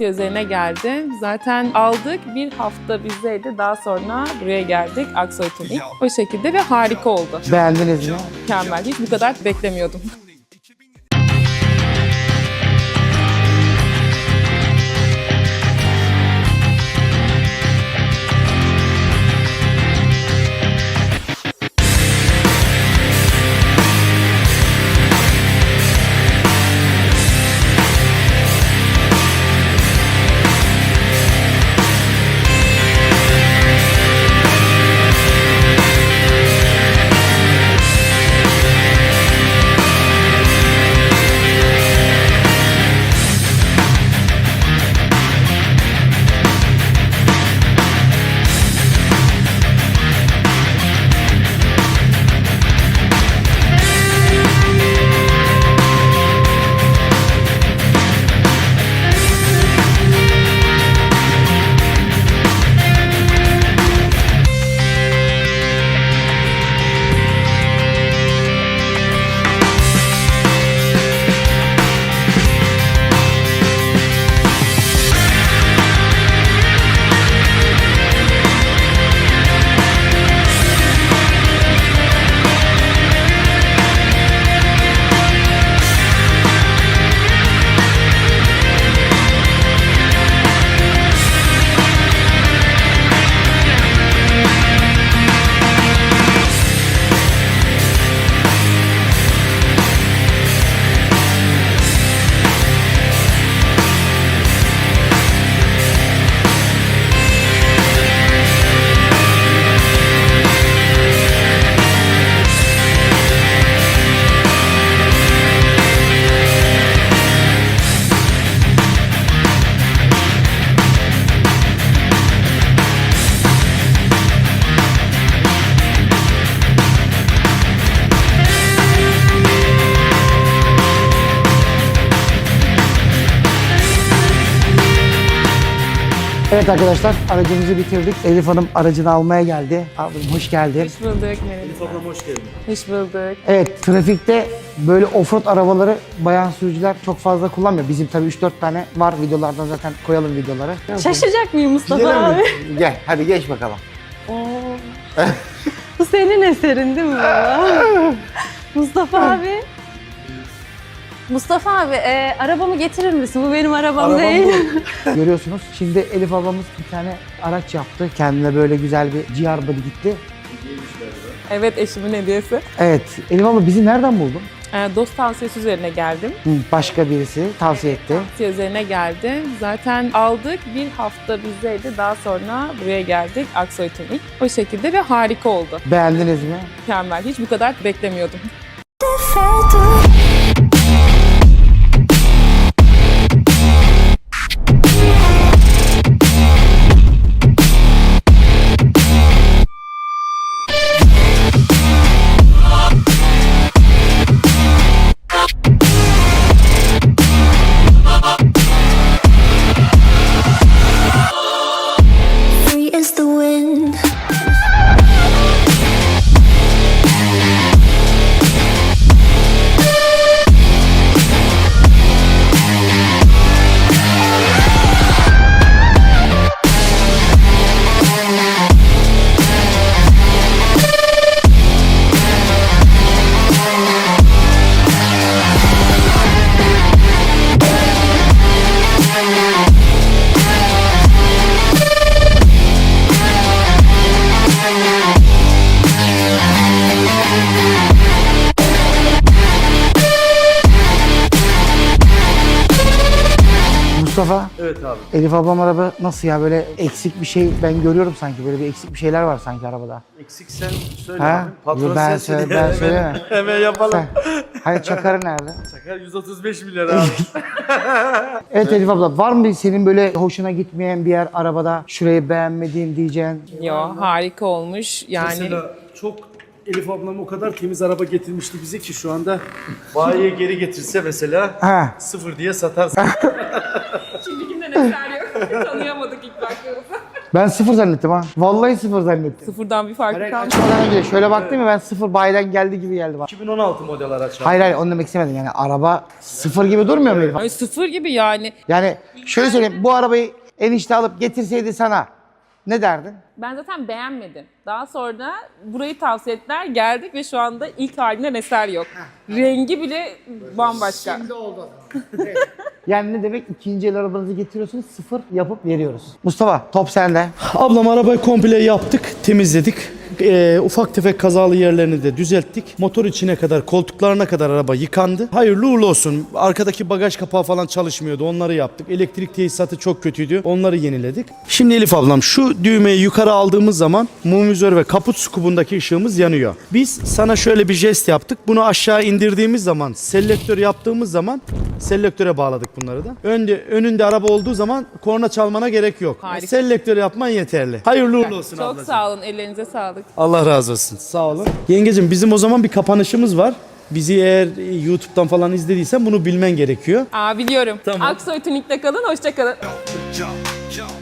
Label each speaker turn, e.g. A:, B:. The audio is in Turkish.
A: üzerine geldi. Zaten aldık, bir hafta bizdeydi. Daha sonra buraya geldik, Aksoy Tuning. O şekilde ve harika oldu.
B: Beğendiniz mi?
A: Mükemmel. Hiç bu kadar beklemiyordum.
B: Evet arkadaşlar, aracımızı bitirdik. Elif Hanım aracını almaya geldi. Abim hoş geldin.
A: Hoş bulduk. Merhaba.
C: Elif ablam hoş geldin.
A: Hoş bulduk.
B: Evet, trafikte böyle offroad arabaları bayan sürücüler çok fazla kullanmıyor. Bizim tabii 3-4 tane var, videolardan zaten koyalım videoları.
D: Şaşacak mıyım Mustafa
B: Gidelim
D: abi?
B: mi? Gel, hadi geç bakalım.
D: Oo. Bu senin eserin değil mi baba? Mustafa abi. Mustafa abi, arabamı getirir misin? Bu benim arabam değil.
B: Görüyorsunuz, şimdi Elif ablamız bir tane araç yaptı. Kendine böyle güzel bir GR body gitti.
A: Evet, eşimin hediyesi.
B: Evet, Elif abla bizi nereden buldun?
A: Dost tavsiyesi üzerine geldim.
B: Başka birisi tavsiye etti.
A: Tavsiye üzerine geldi. Zaten aldık, bir hafta bizdeydi. Daha sonra buraya geldik, Aksoy Tuning. O şekilde ve harika oldu.
B: Beğendiniz mi?
A: Mükemmel. Hiç bu kadar beklemiyordum.
E: Free as the wind.
B: Mustafa,
C: Evet abi.
B: Elif ablam araba nasıl ya, böyle eksik bir şey ben görüyorum sanki, böyle bir eksik bir şeyler var sanki arabada.
C: Eksik sen söyle
B: Ha?
C: abi. Patron
B: Yo, ben
C: sensin
B: söyle-
C: diye
B: ben söyleyemem.
C: Hemen yapalım.
B: Hayır, çakarı nerede?
C: Çakar 135 milyar abi.
B: Evet Elif abla, var mı senin böyle hoşuna gitmeyen bir yer arabada, şurayı beğenmediğin diyeceğin?
A: Yo, harika olmuş. Yani
C: Mesela çok Elif ablam o kadar temiz araba getirmişti bize ki şu anda bayiye geri getirse mesela
B: Ha.
C: sıfır diye satarsın.
A: şimdikinden eser yok. Tanıyamadık ilk baktığımızda.
B: Ben sıfır zannettim ha. Vallahi sıfır zannettim.
A: Sıfırdan bir farkı kalmadı.
B: Açmadan önce şöyle baktım ya ben sıfır bayiden geldi gibi geldi bana.
C: 2016 model araç abi.
B: Hayır onu demek istemedim yani araba sıfır gibi durmuyor mu Elif?
A: Ay sıfır gibi yani.
B: Yani şöyle söyleyeyim bu arabayı enişte alıp getirseydi sana ne derdin?
A: Ben zaten beğenmedim. Daha sonra burayı tavsiye ettiler. Geldik ve şu anda ilk halinden eser yok. Rengi bile bambaşka.
B: oldu. Yani ne demek ikinci el arabanızı getiriyorsunuz sıfır yapıp veriyoruz. Mustafa top sende.
C: Ablam arabayı komple yaptık, temizledik. Ufak tefek kazalı yerlerini de düzelttik. Motor içine kadar, koltuklarına kadar araba yıkandı. Hayırlı uğurlu olsun. Arkadaki bagaj kapağı falan çalışmıyordu. Onları yaptık. Elektrik tesisatı çok kötüydü. Onları yeniledik. Şimdi Elif ablam şu düğmeyi yukarı aldığımız zaman mum vizör ve kaput skubundaki ışığımız yanıyor. Biz sana şöyle bir jest yaptık. Bunu aşağı indirdiğimiz zaman, selektör yaptığımız zaman selektöre bağladık bunları da. Önünde araba olduğu zaman korna çalmana gerek yok.
A: Harika.
C: Selektör yapman yeterli. Hayırlı uğurlu olsun
A: Çok
C: ablacığım.
A: sağ olun. Ellerinize sağlık.
C: Allah razı olsun. Sağ olun. Yengecim bizim o zaman bir kapanışımız var. Bizi eğer YouTube'dan falan izlediysen bunu bilmen gerekiyor.
A: Biliyorum.
C: Tamam.
A: Aksoy Tunik'te kalın. Hoşça kalın.
F: Jump, jump.